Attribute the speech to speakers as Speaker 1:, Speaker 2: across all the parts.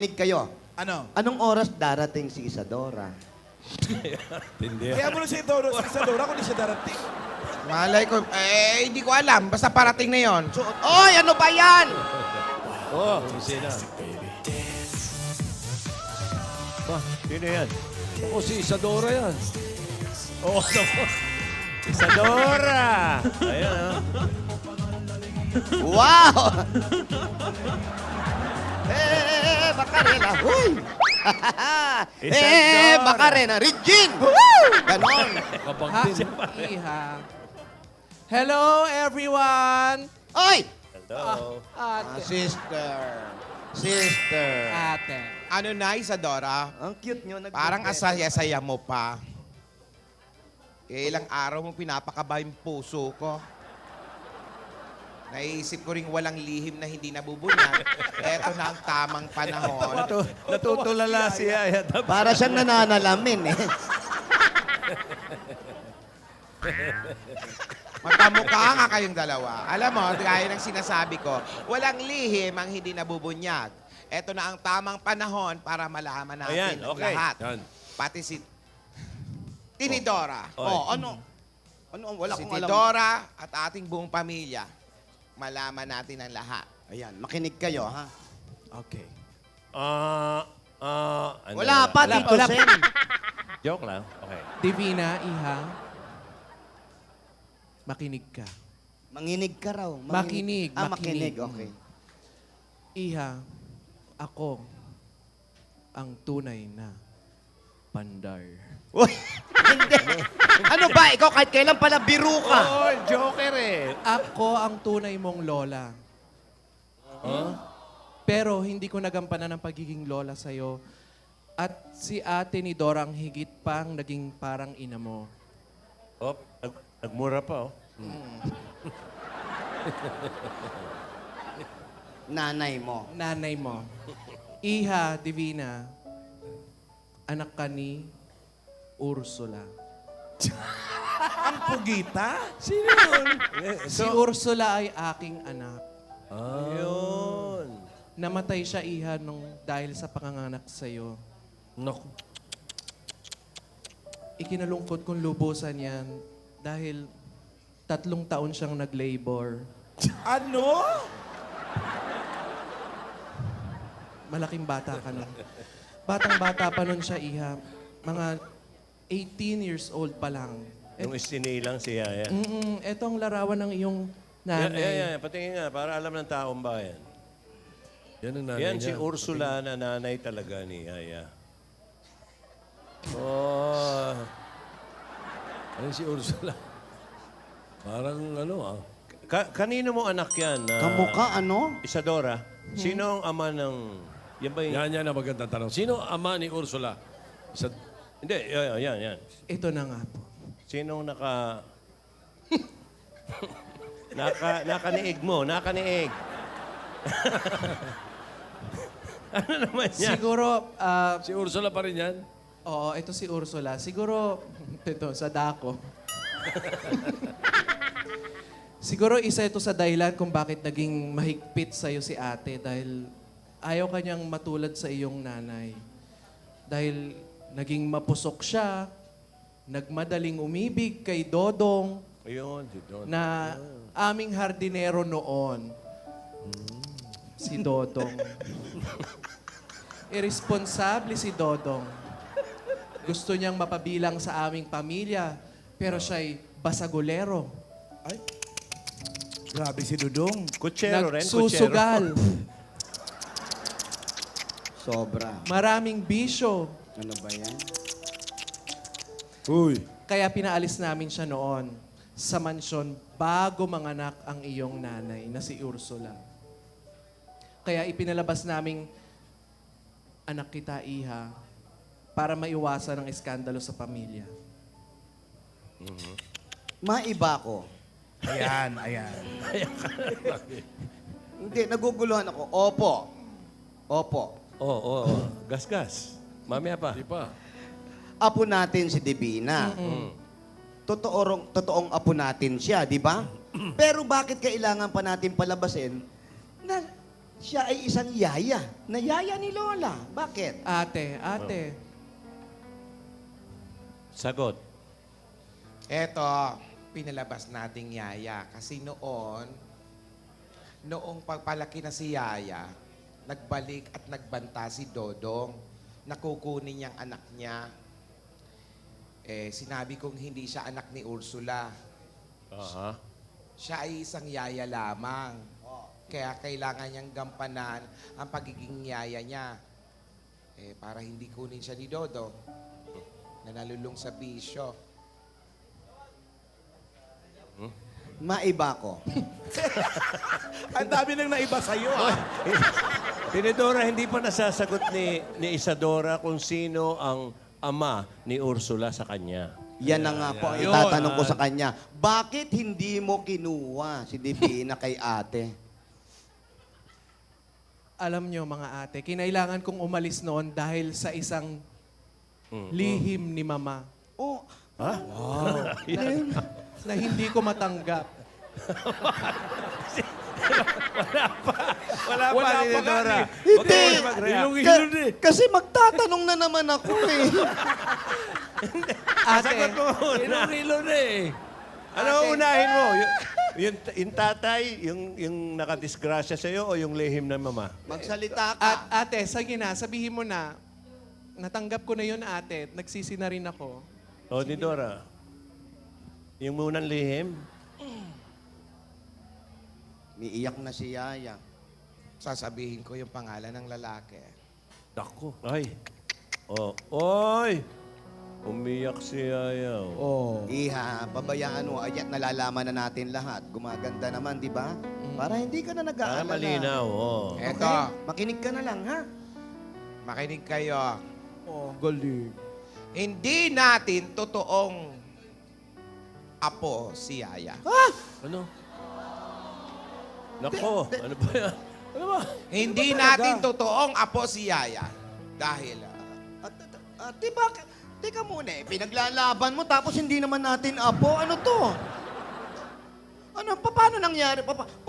Speaker 1: Nig kayo.
Speaker 2: Ano?
Speaker 1: Anong oras darating si Isadora?
Speaker 3: Hindi.
Speaker 2: Kaya mo na si Isadora kung di siya darating.
Speaker 4: Malay ko, hindi ko alam. Basta parating na yon.
Speaker 1: Oy, ano ba yan?
Speaker 3: Oh, sino? Ba, sino yan? Ako si Isadora yan. Oo, oh, naku. Isadora! Ayan, ha?
Speaker 1: Wow! Macarena. Huy!
Speaker 3: Isadora.
Speaker 1: Macarena. Regine! Ganon.
Speaker 3: Kabangtin siya pa.
Speaker 5: Iha. Hello, everyone!
Speaker 1: Oy!
Speaker 3: Hello.
Speaker 5: Ate.
Speaker 1: Sister. Sister.
Speaker 5: Ate.
Speaker 4: Ano na, Isadora?
Speaker 1: Ang cute nyo.
Speaker 4: Parang asaya-saya mo pa. Ilang araw mo pinapakaba yung puso ko. Naisip ko ring walang lihim na hindi nabubunyag. Eto na ang tamang panahon.
Speaker 3: Natutulala si Yaya.
Speaker 1: Para siyang nananalamin eh.
Speaker 4: Magkamukha nga kayong dalawa. Alam mo, gaya ng sinasabi ko, walang lihim ang hindi nabubunyag. Eto na ang tamang panahon para malaman natin
Speaker 3: Ayan,
Speaker 4: ang
Speaker 3: okay.
Speaker 4: lahat.
Speaker 3: Yan.
Speaker 4: Pati si Tinidora.
Speaker 3: Oy.
Speaker 1: Oh, ano? Ano? Wala
Speaker 4: Si
Speaker 1: akong alam.
Speaker 4: Tidora at ating buong pamilya. Malaman natin ang lahat.
Speaker 1: Ayan, makinig kayo, ha?
Speaker 5: Okay.
Speaker 3: Ano
Speaker 1: Wala
Speaker 3: na?
Speaker 1: pa, Tito
Speaker 5: wala pa.
Speaker 1: Sen.
Speaker 3: Joke lang. Okay.
Speaker 5: Divina, Iha. Makinig ka.
Speaker 1: Manginig ka raw.
Speaker 5: Makinig,
Speaker 1: Ah,
Speaker 5: makinig.
Speaker 1: makinig. Okay.
Speaker 5: Iha, ako ang tunay na pandar.
Speaker 1: Uy, hindi. Ano ba? Ikaw kahit kailan pala biro ka.
Speaker 3: Oh, joker eh.
Speaker 5: Ako ang tunay mong lola. Pero hindi ko nagampanan ang pagiging lola sa'yo. At si ate ni Dora ang higit pang naging parang ina mo.
Speaker 3: Oh, nagmura pa, oh.
Speaker 1: Nanay mo.
Speaker 5: Nanay mo. Iha, Divina, anak ka ni Ursula.
Speaker 2: Ang pugita?
Speaker 3: Sino yun?
Speaker 5: Si Ursula ay aking anak.
Speaker 3: Yun.
Speaker 5: Namatay siya, Iha, dahil sa panganganak sa'yo.
Speaker 3: Naku.
Speaker 5: Ikinalungkot kong lubusan yan dahil 3 taon siyang nag-labor.
Speaker 2: Ano?
Speaker 5: Malaking bata ka nun. Batang-bata pa nun siya, Iha. Mga 18 years old pa lang.
Speaker 3: Yung isinilang si Yaya.
Speaker 5: Ito ang larawan ng iyong
Speaker 3: Yan,
Speaker 5: nanay.
Speaker 3: patingin nga, para alam ng taong bayan.
Speaker 6: Yan ang nanay
Speaker 3: Yan si
Speaker 6: niya.
Speaker 3: Ursula na nanay talaga ni Yaya. Oh,
Speaker 6: Ayun si Ursula. Parang ano ah.
Speaker 3: kanino mo anak yan?
Speaker 1: Kamukha, ano?
Speaker 3: Isadora. Sino ang ama ng... Yan ba yung...
Speaker 6: Yan ang magandang tanong. Sino ama ni Ursula?
Speaker 3: Hindi, yan.
Speaker 5: Ito na nga po.
Speaker 3: Sinong nakaniig mo? Nakaniig. Ano naman yan?
Speaker 5: Siguro,
Speaker 6: Si Ursula pa rin yan?
Speaker 5: oo, ito si Ursula. Siguro, ito, sa dako. Siguro isa ito sa dahilan kung bakit naging mahigpit sa'yo si ate dahil ayaw kanyang matulad sa iyong nanay. Dahil naging mapusok siya, nagmadaling umibig kay Dodong
Speaker 3: Ayun, si Don.
Speaker 5: na aming hardinero noon. Si Dodong. Irresponsable si Dodong. Gusto niyang mapabilang sa aming pamilya, pero siya'y basagulero.
Speaker 2: Ay. Grabe si Dudong.
Speaker 3: Kutsero rin, kutsero.
Speaker 5: Nagsusugal.
Speaker 1: Sobra.
Speaker 5: Maraming bisyo.
Speaker 1: Ano ba yan?
Speaker 6: Uy.
Speaker 5: Kaya pinaalis namin siya noon sa mansyon bago manganak ang iyong nanay na si Ursula. Kaya ipinalabas naming anak kita, Iha, para maiwasan ang eskandalo sa pamilya.
Speaker 1: Maiba ko.
Speaker 2: Ayan.
Speaker 1: Hindi, naguguluhan ako. Opo.
Speaker 3: Oo. Gas. Mamaya pa.
Speaker 6: Di pa.
Speaker 1: Apo natin si Divina. Totoong apo natin siya, di ba? Pero bakit kailangan pa natin palabasin na siya ay isang yaya. Na yaya ni Lola. Bakit?
Speaker 5: Ate.
Speaker 3: Sagot.
Speaker 4: Eto, pinalabas nating Yaya. Kasi noong pagpalaki na si Yaya, nagbalik at nagbanta si Dodong. Nakukunin niyang anak niya. Sinabi kong hindi siya anak ni Ursula.
Speaker 3: Aha.
Speaker 4: Siya ay isang yaya lamang. Kaya kailangan niyang gampanan ang pagiging yaya niya. Para hindi kunin siya ni Dodong na nalulung sa bisyo.
Speaker 1: Maiba ko.
Speaker 2: Ang dami nang naiba sa'yo, ah.
Speaker 3: Tinidora, hindi pa nasasagot ni Isadora kung sino ang ama ni Ursula sa kanya.
Speaker 1: Yan na nga po ang itatanong ko sa kanya. Bakit hindi mo kinuha si Divina kay ate?
Speaker 5: Alam nyo mga ate, kinailangan kong umalis noon dahil sa isang lihim ni Mama
Speaker 1: Oh,
Speaker 5: na hindi ko matanggap.
Speaker 3: Wala pa, Tinidora.
Speaker 1: hindi.
Speaker 6: Hilong-hilong eh.
Speaker 1: Kasi magtatanong na naman ako eh.
Speaker 5: Ate,
Speaker 6: Hilong-hilong eh.
Speaker 3: Ano unahin mo? Yung tatay, yung nakadisgrasya sa'yo o yung lihim ng mama?
Speaker 1: Magsalita ka.
Speaker 5: ate, sige na, sabihin mo na, natanggap ko na yun ate, nagsisi na rin ako.
Speaker 3: O, Tinidora, yung munang lihim,
Speaker 1: Umiiyak na si Yaya.
Speaker 4: Sasabihin ko yung pangalan ng lalaki.
Speaker 3: Dako. Ay. Oh. Oy! Umiyak si Ayaw.
Speaker 2: Oh.
Speaker 1: Iha, pabayaan mo. Ayan, nalalaman na natin lahat. Gumaganda naman, di ba? Para hindi ka na nag-aalala.
Speaker 3: Malinaw. Oh.
Speaker 4: Eto,
Speaker 1: Makinig ka na lang, ha?
Speaker 4: makinig kayo.
Speaker 2: Oh, galing.
Speaker 4: Hindi natin totoong apo si Yaya.
Speaker 6: Ano?
Speaker 3: Nako, ano ba yan?
Speaker 6: Ano ba?
Speaker 4: Hindi natin totoong apo si Yaya. Dahil,
Speaker 1: Di ba? Teka muna eh. Pinaglalaban mo tapos hindi naman natin apo. Ano to? Ano? Paano nangyari?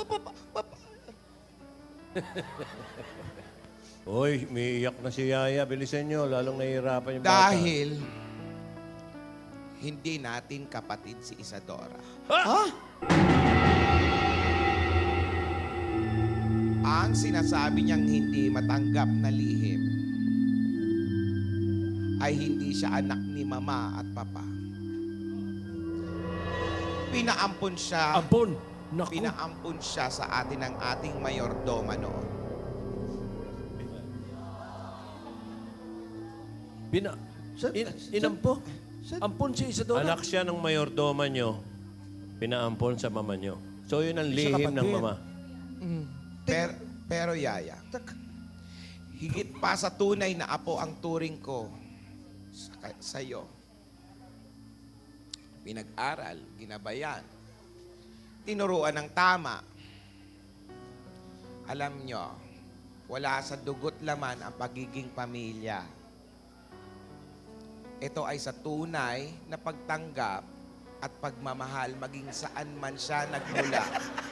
Speaker 3: Oy, umiiyak na si Yaya. Bilisan nyo, lalong nahihirapan yung bata.
Speaker 4: dahil hindi natin kapatid si Isadora.
Speaker 1: Ha?
Speaker 4: Ang sinasabi niyang hindi matanggap na lihim ay hindi siya anak ni Mama at Papa. Pinaampon siya.
Speaker 6: Ampon. Naku.
Speaker 4: Pinaampon siya sa atin ng ating mayordoma noon.
Speaker 6: Inampo. Ampon si Isadora.
Speaker 3: Anak siya ng mayordoma nyo, pinaampon sa mama nyo. So, yun ang lihim ng mama.
Speaker 4: Pero Yaya, higit pa sa tunay na apo ang turing ko sa iyo. Pinag-aral, ginabayan, tinuruan ng tama. Alam nyo, wala sa dugot laman ang pagiging pamilya. Ito ay sa tunay na pagtanggap at pagmamahal maging saan man siya nagmula.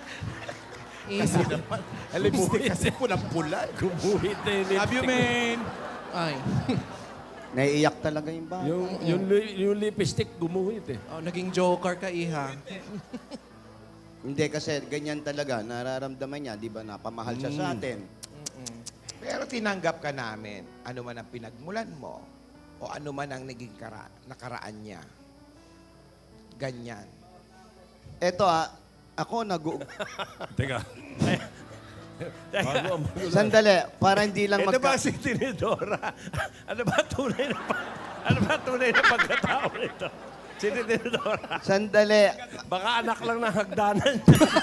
Speaker 2: Lipstick kasi pulang-pula.
Speaker 6: Gumuhit na yung
Speaker 2: Love you, man.
Speaker 5: Ay.
Speaker 1: Naiiyak talaga yung bata.
Speaker 6: Yung lipstick gumuhit eh.
Speaker 5: Oh, naging joker ka, Iha.
Speaker 1: Hindi kasi ganyan talaga. Nararamdaman niya, di ba? Napamahal siya sa atin.
Speaker 4: Pero tinanggap ka namin, ano man ang pinagmulan mo, o ano man ang naging nakaraan niya. Ganyan.
Speaker 1: Eto ako
Speaker 6: Teka.
Speaker 1: Sandali, para hindi lang
Speaker 3: Ito ba si Tinidora? Ano ba tunay na pagkatao nito? Si Tinidora.
Speaker 1: Sandali.
Speaker 3: Baka anak lang ng hagdanan.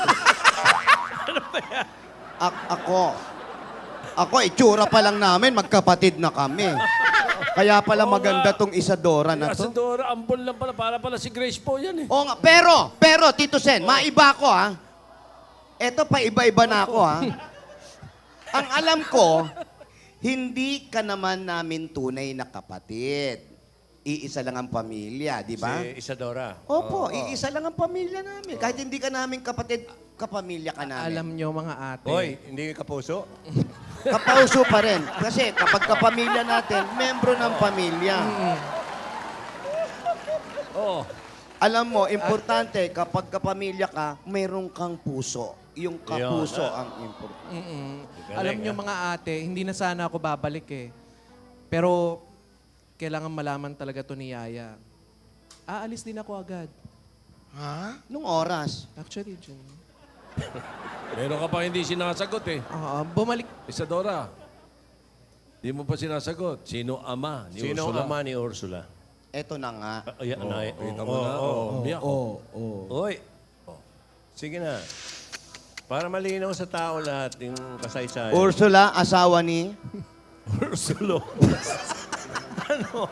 Speaker 1: Ako, itsura pa lang namin, magkapatid na kami. Kaya pala maganda tong Isadora na to.
Speaker 6: Isadora, ampon lang pala. Para pala si Grace po yan eh.
Speaker 1: Oo nga, pero, Tito Sen, maiba ko ha. Eto pa iba-iba na ako ha. Ang alam ko, hindi ka naman namin tunay na kapatid. Iisa lang ang pamilya, di ba?
Speaker 3: Si Isadora.
Speaker 1: Opo, iisa lang ang pamilya namin. Kahit hindi ka namin kapatid, kapamilya ka namin.
Speaker 5: Alam nyo mga ate.
Speaker 3: Hoy, hindi ka kapuso?
Speaker 1: Kapauso pa rin. Kasi kapag kapamilya natin, membro ng pamilya.
Speaker 6: Oo.
Speaker 1: Alam mo, importante, kapag kapamilya ka, mayroon kang puso. Yung kapuso
Speaker 3: Yun,
Speaker 1: ang importante.
Speaker 3: Galing,
Speaker 5: Alam nyo mga ate, hindi na sana ako babalik eh. Pero kailangan malaman talaga to ni Yaya. Aalis din ako agad.
Speaker 4: Ha?
Speaker 1: Nung oras.
Speaker 5: Actually, Jun.
Speaker 6: Meron ka pa hindi sinasagot eh.
Speaker 5: Bumalik.
Speaker 6: Isadora. Hindi mo pa sinasagot. Sino ama ni
Speaker 3: Sino
Speaker 6: Ursula?
Speaker 3: ang ama ni Ursula?
Speaker 1: Eto na nga.
Speaker 3: Ayan,
Speaker 6: Kita mo na. Umiyak.
Speaker 3: Hoy. Sige na. Para malinaw sa tao lahat yung kasaysayan.
Speaker 1: Ursula, asawa ni...
Speaker 3: Ursulo. Ano?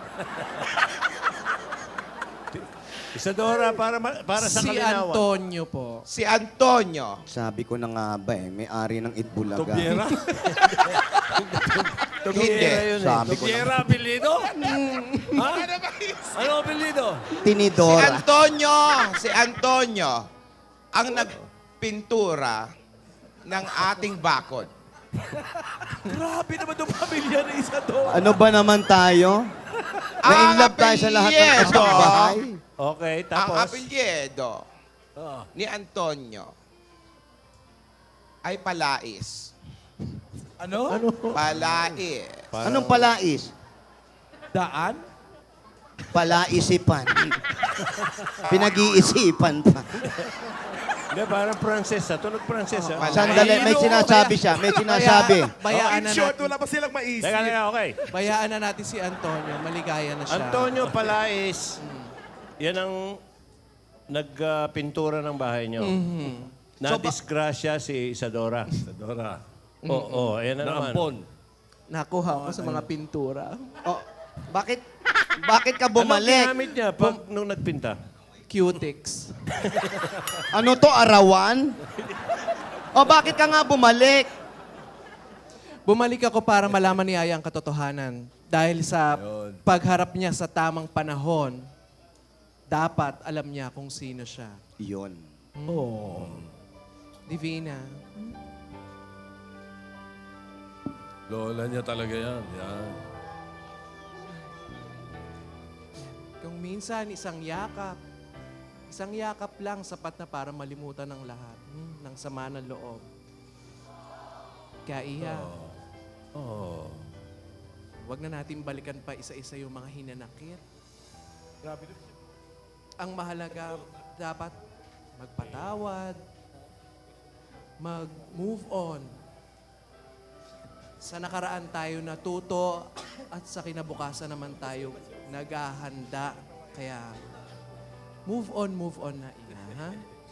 Speaker 3: Isadora, para sa
Speaker 5: Si
Speaker 3: kalinawan.
Speaker 5: Antonio po.
Speaker 4: Si Antonio.
Speaker 1: Sabi ko na nga ba may-ari ng Itbulaga.
Speaker 6: Tobiera?
Speaker 4: Hindi.
Speaker 3: Yun, eh.
Speaker 1: Sabi ko na.
Speaker 6: Tobiera, apelido? Ha? Ano apelido?
Speaker 4: Si
Speaker 1: Tinidora.
Speaker 4: Si Antonio, ang nagpintura ng ating bakod.
Speaker 2: Grabe naman itong pamilya ni Isadora.
Speaker 1: Ano ba naman tayo? Na-inlove tayo sa lahat ng
Speaker 4: apelyido.
Speaker 1: kasambahay.
Speaker 3: Okay,
Speaker 4: Ang
Speaker 3: tapos.
Speaker 4: apelyido ni Antonio ay Palais.
Speaker 2: Ano?
Speaker 4: Palais.
Speaker 1: Anong palais?
Speaker 2: Daan?
Speaker 1: Palaisipan. Pinag-iisipan pa.
Speaker 3: Hindi, parang Francesa. Tunog Francesa.
Speaker 4: Palais.
Speaker 1: Sandali, may sinasabi siya. May sinasabi.
Speaker 5: Bayaan
Speaker 2: In
Speaker 5: na
Speaker 2: short,
Speaker 5: natin.
Speaker 2: wala pa silang maisip.
Speaker 3: Teka, okay.
Speaker 5: Bayaan na natin si Antonio. Maligaya na siya.
Speaker 3: Antonio Palais, yan ang nagpintura ng bahay niyo. Na-disgrasya si Isadora.
Speaker 6: Isadora.
Speaker 3: Oo, ayan na naman.
Speaker 6: Naampon.
Speaker 5: Nakuha ko sa mga pintura.
Speaker 1: Oh, bakit ka
Speaker 3: Anong
Speaker 1: bumalik?
Speaker 3: ginamit niya nung nagpinta?
Speaker 5: Cutix.
Speaker 1: Ano to, arawan? O bakit ka nga bumalik?
Speaker 5: Bumalik ako para malaman ni Yaya ang katotohanan. Dahil sa pagharap niya sa tamang panahon, dapat alam niya kung sino siya.
Speaker 1: Yun.
Speaker 5: Divina.
Speaker 6: Lola niya talaga yan. Yan.
Speaker 5: Kung minsan isang yakap lang sapat na para malimutan ng lahat ng sama ng loob. Kaya Iha, wag na natin balikan pa isa-isa yung mga hinanakit. Ang mahalaga, dapat magpatawad, mag-move on. Sa nakaraan tayo natuto at sa kinabukasan naman tayo naghahanda. Kaya, move on na Iha, ha?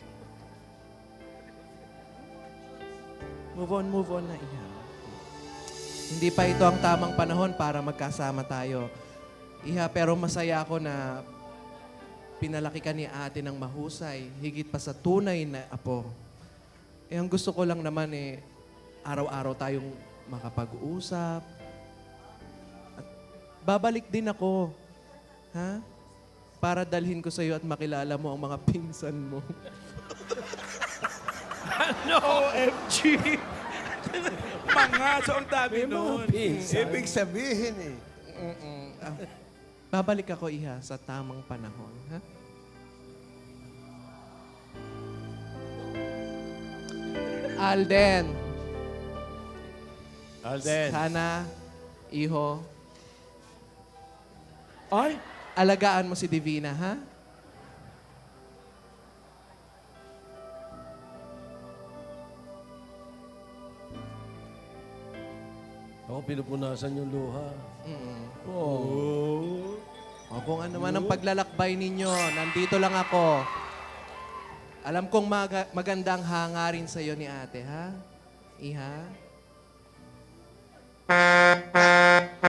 Speaker 5: Move on na Iha. Hindi pa ito ang tamang panahon para magkasama tayo. Iha, pero masaya ako na pinalaki ka ni ate ng mahusay, higit pa sa tunay na apo. Ang gusto ko lang naman araw-araw tayong makapag-usap. At babalik din ako. Ha? Para dalhin ko sa iyo at makilala mo ang mga pinsan mo.
Speaker 2: OMG! Mga, so ang dami nun.
Speaker 3: Ibig sabihin eh.
Speaker 5: Babalik ako, Iha, sa tamang panahon. Ha? Alden, sana, iho,
Speaker 2: Ay,
Speaker 5: alagaan mo si Divina, ha?
Speaker 6: Ako pinupunasan yung luha.
Speaker 5: O kung ano man ang paglalakbay ninyo, nandito lang ako. Alam kong magandang hangarin sa iyo ni ate, ha? Iha?